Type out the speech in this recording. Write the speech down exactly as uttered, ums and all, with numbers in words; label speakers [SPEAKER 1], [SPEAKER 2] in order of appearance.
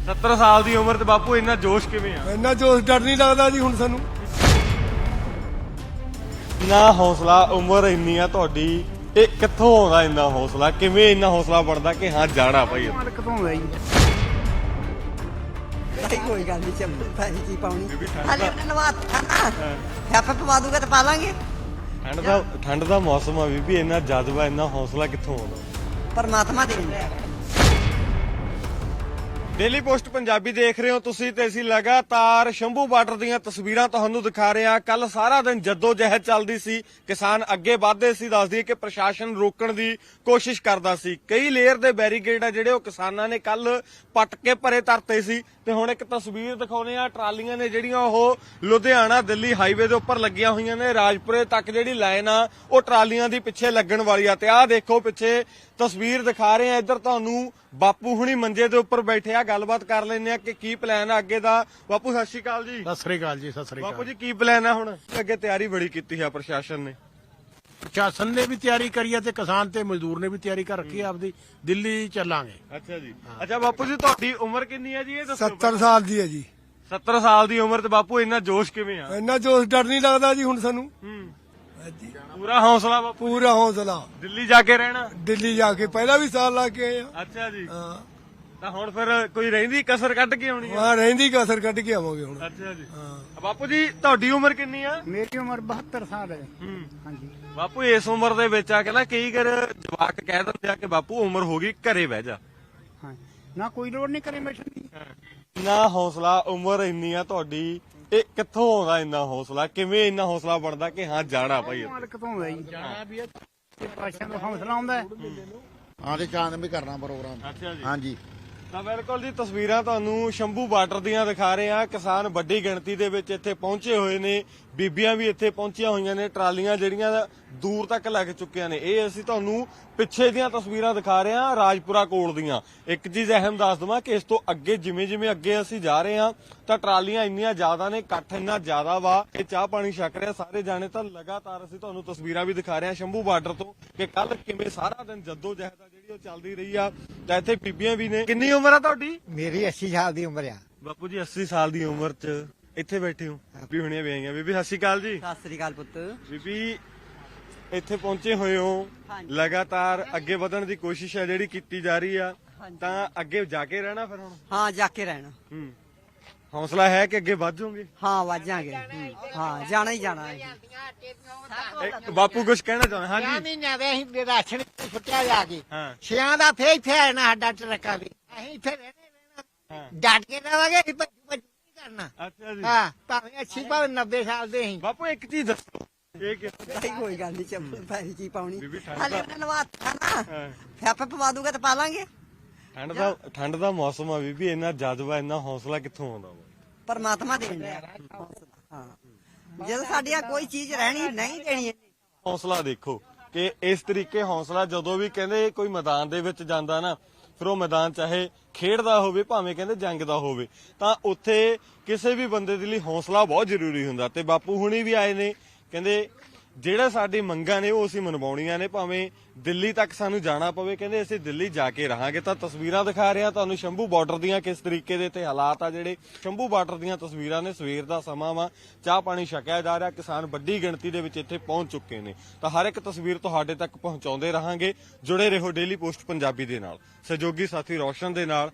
[SPEAKER 1] सत्तर साल की उम्र ते बापू इन्ना जोश किवें आ?
[SPEAKER 2] ਇੰਨਾ ਜੋਸ਼ ਡਰ ਨਹੀਂ ਲੱਗਦਾ ਜੀ ਹੁਣ ਸਾਨੂੰ।
[SPEAKER 1] ਇੰਨਾ ਹੌਸਲਾ ਉਮਰ ਇੰਨੀ ਆ ਤੁਹਾਡੀ, ਇਹ ਕਿੱਥੋਂ ਆਉਂਦਾ ਇੰਨਾ ਹੌਸਲਾ? ਕਿਵੇਂ ਇੰਨਾ ਹੌਸਲਾ ਬਣਦਾ ਕਿ ਹਾਂ ਜਾਣਾ ਭਾਈ?
[SPEAKER 3] ਮਾਲਕ ਤੋਂ ਆਉਂਦਾ ਜੀ।
[SPEAKER 4] ਭਾਈ ਕੋਈ ਗੱਲ ਨਹੀਂ ਚੱਲ ਭਾਈ ਕੀ ਪਾਉਣੀ
[SPEAKER 1] ਬੀਬੀ ਠੰਡ
[SPEAKER 4] ਹਾਲੇ
[SPEAKER 1] ਦਾ-
[SPEAKER 4] ਉਹਨੇ ਨਵਾਤਾ ਨਾ ਫਿਆਪਾ ਪਵਾ ਦੂਗਾ ਤੇ ਪਾ ਲਾਂਗੇ।
[SPEAKER 1] ਠੰਡ ਦਾ ਠੰਡ ਦਾ ਮੌਸਮ ਆ ਬੀਬੀ, ਇੰਨਾ ਜਜ਼ਬਾ ਇੰਨਾ ਹੌਸਲਾ ਕਿੱਥੋਂ ਆਉਂਦਾ?
[SPEAKER 4] ਪਰਮਾਤਮਾ ਦੇ ਦਿੰਦਾ।
[SPEAKER 1] ਡੇਲੀ ਪੋਸਟ ਪੰਜਾਬੀ ਦੇਖ ਰਹੇ ਹੋ ਤੁਸੀਂ ਤੇ ਅਸੀਂ ਲਗਾਤਾਰ ਸ਼ੰਭੂ ਬਾਰਡਰ ਦੀਆਂ ਤਸਵੀਰਾਂ ਤੁਹਾਨੂੰ ਦਿਖਾ ਰਹੇ ਹਾਂ। ਕੱਲ ਸਾਰਾ ਦਿਨ ਜੱਦੋ ਜਹਿਦ ਚੱਲਦੀ ਸੀ, ਕਿਸਾਨ ਅੱਗੇ ਵਧਦੇ ਸੀ। ਦੱਸ ਦਈਏ ਕਿ ਪ੍ਰਸ਼ਾਸਨ ਰੋਕਣ ਦੀ ਕੋਸ਼ਿਸ਼ ਕਰਦਾ ਸੀ। ਕਈ ਲੇਅਰ ਦੇ ਬੈਰੀਕੇਡ ਆ ਜਿਹੜੇ ਉਹ ਕਿਸਾਨਾਂ ਨੇ ਕੱਲ ਪੱਟ ਕੇ ਭਰੇ ਧਰਤੇ ਸੀ। ਤੇ ਹੁਣ ਇੱਕ ਤਸਵੀਰ ਦਿਖਾਉਣੇ ਆ, ਟਰਾਲੀਆਂ ਨੇ ਜਿਹੜੀਆਂ ਉਹ ਲੁਧਿਆਣਾ ਦਿੱਲੀ ਹਾਈਵੇ ਦੇ ਉੱਪਰ ਲੱਗੀਆਂ ਹੋਈਆਂ ਨੇ। ਰਾਜਪੁਰੇ ਤੱਕ ਜਿਹੜੀ ਲਾਈਨ ਆ ਉਹ ਟਰਾਲੀਆਂ ਦੀ ਪਿੱਛੇ ਲੱਗਣ ਵਾਲੀ ਆ। ਤੇ ਆਹ ਦੇਖੋ ਪਿੱਛੇ ਤਸਵੀਰ ਦਿਖਾ ਰਹੇ ਆ, ਇੱਧਰ ਤੁਹਾਨੂੰ ਬਾਪੂ ਹੁਣੀ ਮੰਜੇ ਦੇ ਉੱਪਰ ਬੈਠੇ ਆ। ਗੱਲਬਾਤ ਕਰ ਲੈਂਦੇ ਆ ਕਿ ਕੀ ਪਲਾਨ ਆ ਅੱਗੇ ਦਾ। ਬਾਪੂ ਸਤਿ ਸ਼੍ਰੀ ਅਕਾਲ ਜੀ।
[SPEAKER 3] ਸਤਿ ਸ੍ਰੀ ਅਕਾਲ ਜੀ। ਸਤਿ ਸ੍ਰੀ
[SPEAKER 1] ਬਾਪੂ
[SPEAKER 3] ਅਕਾਲ
[SPEAKER 1] ਜੀ ਕੀ ਪਲਾਨ ਆ ਹੁਣ? ਅੱਗੇ ਤਿਆਰੀ ਬੜੀ ਕੀਤੀ ਹੈ ਪ੍ਰਸ਼ਾਸਨ ਨੇ।
[SPEAKER 3] ਪ੍ਰਸ਼ਾਸਨ ਨੇ ਵੀ ਤਿਆਰੀ ਕਰੀ ਹੈ ਤੇ ਕਿਸਾਨ ਤੇ ਮਜ਼ਦੂਰ ਨੇ ਵੀ ਤਿਆਰੀ ਕਰ ਰੱਖੀ ਹੈ ਆਪਦੀ। ਦਿੱਲੀ ਚੱਲਾਂਗੇ।
[SPEAKER 1] ਅੱਛਾ ਜੀ। ਅੱਛਾ ਬਾਪੂ ਜੀ ਤੁਹਾਡੀ ਉਮਰ ਕਿੰਨੀ ਹੈ ਜੀ? ਇਹ ਦੱਸੋ।
[SPEAKER 2] ਸੱਤਰ ਸਾਲ ਦੀ ਹੈ ਜੀ।
[SPEAKER 1] ਸੱਤਰ ਸਾਲ ਦੀ ਉਮਰ ਤੇ ਬਾਪੂ ਇੰਨਾ ਜੋਸ਼ ਕਿਵੇਂ ਆ?
[SPEAKER 2] ਇੰਨਾ ਜੋਸ਼ ਡਰ ਨਹੀਂ ਲੱਗਦਾ ਜੀ ਹੁਣ ਸਾਨੂੰ।
[SPEAKER 1] ਹੂੰ
[SPEAKER 2] ਹਾਂਜੀ।
[SPEAKER 1] ਪੂਰਾ ਹੌਸਲਾ ਬਾਪੂ।
[SPEAKER 2] ਪੂਰਾ ਹੌਸਲਾ।
[SPEAKER 1] ਦਿੱਲੀ ਜਾ ਕੇ ਰਹਿਣਾ?
[SPEAKER 2] ਦਿੱਲੀ ਜਾ ਕੇ ਪਹਿਲਾਂ ਵੀ ਸਾਲ ਲਾ ਕੇ ਆਏ ਆ।
[SPEAKER 1] ਅੱਛਾ ਜੀ।
[SPEAKER 2] ਹਾਂ
[SPEAKER 1] ਤਾਂ ਹੁਣ ਫਿਰ ਕੋਈ ਰਹਿੰਦੀ ਕਸਰ ਕੱਢ ਕੇ ਆਉਣੀ ਆ?
[SPEAKER 2] ਹਾਂ ਰਹਿੰਦੀ ਕਸਰ ਕੱਢ ਕੇ ਆਵਾਂਗੇ ਹੁਣ।
[SPEAKER 1] ਅੱਛਾ ਜੀ।
[SPEAKER 2] ਹਾਂ
[SPEAKER 1] ਬਾਪੂ ਜੀ ਤੁਹਾਡੀ ਉਮਰ ਕਿੰਨੀ ਆ?
[SPEAKER 3] ਮੇਰੀ ਉਮਰ ਬਹੱਤਰ ਸਾਲ ਹੈ।
[SPEAKER 1] ਹੂੰ
[SPEAKER 3] ਹਾਂਜੀ।
[SPEAKER 1] ਬਾਪੂ ਇਸ ਉਮਰ ਦੇ ਵਿੱਚ ਆ ਕੇ ਨਾ ਕਈ ਵਾਰ ਜਵਾਕ ਕਹਿ ਦਿੰਦੇ ਆ ਕਿ ਬਾਪੂ ਉਮਰ ਹੋ ਗਈ ਘਰੇ ਬਹਿ ਜਾ।
[SPEAKER 3] ਹਾਂ ਨਾ ਕੋਈ ਲੋੜ ਨਹੀਂ ਕਰੇ ਬੈਠਣ ਦੀ।
[SPEAKER 1] ਇੰਨਾ ਹੌਸਲਾ ਉਮਰ ਇੰਨੀ ਆ ਤੁਹਾਡੀ, ਇਹ ਕਿੱਥੋਂ ਆਉਂਦਾ ਇੰਨਾ ਹੌਸਲਾ? ਕਿਵੇਂ ਇੰਨਾ ਹੌਸਲਾ ਬਣਦਾ ਕਿ ਹਾਂ ਜਾਣਾ ਭਾਈ?
[SPEAKER 3] ਮਾਲਕ ਤੋਂ ਆਉਂਦਾ ਜੀ। ਜਾਣਾ ਵੀ ਹੈ ਤੇ ਪਾਸ਼ਾ ਦਾ ਹੌਸਲਾ ਆਉਂਦਾ ਹੈ।
[SPEAKER 5] ਹਾਂ ਤੇ ਚਾਂਦ ਵੀ ਕਰਨਾ ਪ੍ਰੋਗਰਾਮ।
[SPEAKER 1] ਅੱਛਾ ਜੀ।
[SPEAKER 5] ਹਾਂਜੀ
[SPEAKER 1] ਤਾਂ ਬਿਲਕੁਲ ਜੀ ਤਸਵੀਰਾਂ ਤੁਹਾਨੂੰ ਸ਼ੰਭੂ ਬਾਰਡਰ ਦੀਆਂ ਦਿਖਾ ਰਹੇ ਆ। ਕਿਸਾਨ ਵੱਡੀ ਗਿਣਤੀ ਦੇ ਵਿੱਚ ਇੱਥੇ ਪਹੁੰਚੇ ਹੋਏ ਨੇ, ਬੀਬੀਆਂ ਵੀ ਇੱਥੇ ਪਹੁੰਚੀਆਂ ਹੋਈਆਂ ਨੇ। ਟਰਾਲੀਆਂ ਜਿਹੜੀਆਂ ਦੂਰ ਤੱਕ ਲੱਗ ਚੁੱਕੀਆਂ ਨੇ। ਇਹ ਅਸੀਂ ਤੁਹਾਨੂੰ ਪਿੱਛੇ ਦੀਆਂ ਤਸਵੀਰਾਂ ਦਿਖਾ ਰਹੇ ਹਾਂ ਰਾਜਪੁਰਾ ਕੋਲ ਦੀਆਂ। ਇੱਕ ਚੀਜ਼ ਅਹਿਮ ਦੱਸ ਦਵਾਂ ਕਿ ਇਸ ਤੋਂ ਅੱਗੇ ਜਿਵੇਂ ਜਿਵੇਂ ਅੱਗੇ ਅਸੀਂ ਜਾ ਰਹੇ ਹਾਂ ਤਾਂ ਟਰਾਲੀਆਂ ਇੰਨੀਆਂ ਜ਼ਿਆਦਾ ਨੇ, ਇਕੱਠ ਇੰਨਾ ਜ਼ਿਆਦਾ ਵਾ ਕਿ ਚਾਹ ਪਾਣੀ ਛਕ ਰਿਹਾ ਸਾਰੇ ਜਾਣੇ। ਤਾਂ ਲਗਾਤਾਰ ਅਸੀਂ ਤੁਹਾਨੂੰ ਤਸਵੀਰਾਂ ਵੀ ਦਿਖਾ ਰਹੇ ਹਾਂ ਸ਼ੰਭੂ ਬਾਰਡਰ ਤੋਂ ਕਿ ਕੱਲ ਕਿਵੇਂ ਸਾਰਾ ਦਿਨ ਜੱਦੋ ਜਹਿਦ ਆ ਜਿਹੜੀ ਉਹ ਚੱਲਦੀ ਰਹੀ ਆ। ਤਾਂ ਇੱਥੇ ਬੀਬੀਆਂ ਵੀ ਨੇ। ਕਿੰਨੀ ਉਮਰ ਆ ਤੁਹਾਡੀ?
[SPEAKER 6] ਮੇਰੀ अस्सी साल ਦੀ ਉਮਰ ਆ।
[SPEAKER 1] ਬਾਪੂ ਜੀ ਅੱਸੀ ਸਾਲ ਦੀ ਉਮਰ 'ਚ ਇੱਥੇ ਬੈਠੇ ਹੋ। ਬੀਬੀ ਹੁਣੀਆਂ ਵੀ ਆਈਆਂ। ਬੀਬੀ ਸਤਿ ਸ਼੍ਰੀ ਅਕਾਲ ਜੀ।
[SPEAKER 4] ਸਤਿ ਸ੍ਰੀ ਅਕਾਲ ਪੁੱਤ।
[SPEAKER 1] ਬੀਬੀ ਇੱਥੇ ਪਹੁੰਚੇ ਹੋਏ ਹੋ,
[SPEAKER 4] ਹਾਂਜੀ।
[SPEAKER 1] ਲਗਾਤਾਰ ਅੱਗੇ ਵਧਣ ਦੀ ਕੋਸ਼ਿਸ਼ ਹੈ ਜਿਹੜੀ ਕੀਤੀ ਜਾ ਰਹੀ ਆ।
[SPEAKER 4] ਹਾਂਜੀ।
[SPEAKER 1] ਤਾਂ ਅੱਗੇ ਜਾ ਕੇ ਰਹਿਣਾ ਫਿਰ ਹੁਣ?
[SPEAKER 4] ਹਾਂ ਜਾ ਕੇ ਰਹਿਣਾ।
[SPEAKER 1] ਹੂੰ ਹੌਸਲਾ ਹੈ ਕਿ ਅੱਗੇ ਵਧ ਜਾਓਗੇ?
[SPEAKER 4] ਹਾਂ ਵਾਜਾਂਗੇ। ਹਾਂ ਜਾਣਾ ਹੀ ਜਾਣਾ ਹੈ।
[SPEAKER 1] ਇਹ ਬਾਪੂ ਕੁਝ ਕਹਿਣਾ ਚਾਹੁੰਦਾ?
[SPEAKER 6] ਛਿਆਂ
[SPEAKER 1] ਹਾਂਜੀ
[SPEAKER 6] ਮਹੀਨਿਆਂ ਦੇ ਅਸੀਂ ਰਾਸ਼ਨ ਫੁੱਟਿਆ ਜਾ ਕੇ
[SPEAKER 1] ਹਾਂ
[SPEAKER 6] ਛਿਆਂ ਦਾ ਫੇਰ ਇੱਥੇ ਆਣਾ ਸਾਡਾ ਟਰੱਕਾ ਵੀ ਅਸੀਂ ਇੱਥੇ ਰਹਿਣੇ ਰਹਿਣਾ
[SPEAKER 1] ਹਾਂ।
[SPEAKER 6] ਡਟ ਕੇ ਰਵਾਂਗੇ ਅਸੀਂ ਭੱਜੂ ਭੱਜੂ ਨਹੀਂ ਕਰਨਾ।
[SPEAKER 1] ਅੱਛਾ ਜੀ।
[SPEAKER 6] ਹਾਂ ਭਾਵੇਂ ਅੱਸੀ ਭਾਵੇਂ ਨੱਬੇ ਸਾਲ ਦੇ ਅਸੀਂ।
[SPEAKER 1] ਬਾਪੂ ਇੱਕ ਚੀਜ਼ ਦੱਸੋ, ਇਹ ਕਿ
[SPEAKER 4] ਭਾਈ ਕੋਈ ਗੱਲ ਨਹੀਂ ਚੱਲ ਭਾਈ ਕੀ ਪਾਉਣੀ
[SPEAKER 1] ਬੀਬੀ ਠੰਡ
[SPEAKER 4] ਹਾਲੇ
[SPEAKER 1] ਦਾ-
[SPEAKER 4] ਉਹਨੇ ਨਵਾਤਾ ਨਾ
[SPEAKER 1] ਹਾਂ।
[SPEAKER 4] ਫਿਆਪਾ ਪਵਾ ਦੂਗਾ ਤੇ ਪਾ ਲਾਂਗੇ।
[SPEAKER 1] ਠੰਡ ਦਾ ਠੰਡ ਦਾ ਮੌਸਮ ਆ ਬੀਬੀ, ਇੰਨਾ ਜਜ਼ਬਾ ਇੰਨਾ ਹੌਸਲਾ ਕਿੱਥੋਂ ਆਉਂਦਾ ਵਾ?
[SPEAKER 4] ਪਰਮਾਤਮਾ ਦੇ ਦਿੰਦਾ। ਹਾਂ ਜਦੋਂ ਸਾਡੀਆਂ ਕੋਈ ਚੀਜ਼ ਰਹਿਣੀ ਨਹੀਂ ਦੇਣੀ।
[SPEAKER 1] ਹੌਸਲਾ ਦੇਖੋ ਕਿ ਇਸ ਤਰੀਕੇ ਹੌਸਲਾ ਜਦੋਂ ਵੀ ਕਹਿੰਦੇ ਕੋਈ ਮੈਦਾਨ ਦੇ ਵਿੱਚ ਜਾਂਦਾ ਨਾ, ਫਿਰ ਉਹ ਮੈਦਾਨ ਚਾਹੇ ਖੇਡ ਦਾ ਹੋਵੇ ਭਾਵੇਂ ਕਹਿੰਦੇ ਜੰਗ ਦਾ ਹੋਵੇ, ਤਾਂ ਉੱਥੇ ਕਿਸੇ ਵੀ ਬੰਦੇ ਦੇ ਲਈ ਹੌਸਲਾ ਬਹੁਤ ਜ਼ਰੂਰੀ ਹੁੰਦਾ। ਤੇ ਬਾਪੂ ਹੁਣੀ ਵੀ ਆਏ ਨੇ, ਕਹਿੰਦੇ ਜਿਹੜਾ ਸਾਡੀ ਮੰਗਾਂ ਨੇ ਉਹ ਅਸੀਂ ਮਨਵਾਉਣੀਆਂ ਨੇ, ਭਾਵੇਂ ਦਿੱਲੀ ਤੱਕ ਸਾਨੂੰ ਜਾਣਾ ਪਵੇ। ਕਹਿੰਦੇ ਅਸੀਂ ਦਿੱਲੀ ਜਾ ਕੇ ਰਹਾਂਗੇ। ਤਾਂ ਤਸਵੀਰਾਂ ਦਿਖਾ ਰਿਹਾ ਤੁਹਾਨੂੰ ਸ਼ੰਭੂ ਬਾਰਡਰ ਦੀਆਂ, ਕਿਸ ਤਰੀਕੇ ਦੇ ਤੇ ਹਾਲਾਤ ਆ ਜਿਹੜੇ ਸ਼ੰਭੂ ਬਾਰਡਰ ਦੀਆਂ ਤਸਵੀਰਾਂ ਨੇ। ਸਵੇਰ ਦਾ ਸਮਾਂ ਵਾ, ਚਾਹ ਪਾਣੀ ਛਕਿਆ ਜਾ ਰਿਹਾ। ਕਿਸਾਨ ਵੱਡੀ ਗਿਣਤੀ ਦੇ ਵਿੱਚ ਇੱਥੇ ਪਹੁੰਚ ਚੁੱਕੇ ਨੇ। ਤਾਂ ਹਰ ਇੱਕ ਤਸਵੀਰ ਤੁਹਾਡੇ ਤੱਕ ਪਹੁੰਚਾਉਂਦੇ ਰਹਾਂਗੇ। ਜੁੜੇ ਰਹੋ ਡੇਲੀ ਪੋਸਟ ਪੰਜਾਬੀ ਦੇ ਨਾਲ। ਸਹਿਯੋਗੀ ਸਾਥੀ ਰੌਸ਼ਨ ਦੇ ਨਾਲ।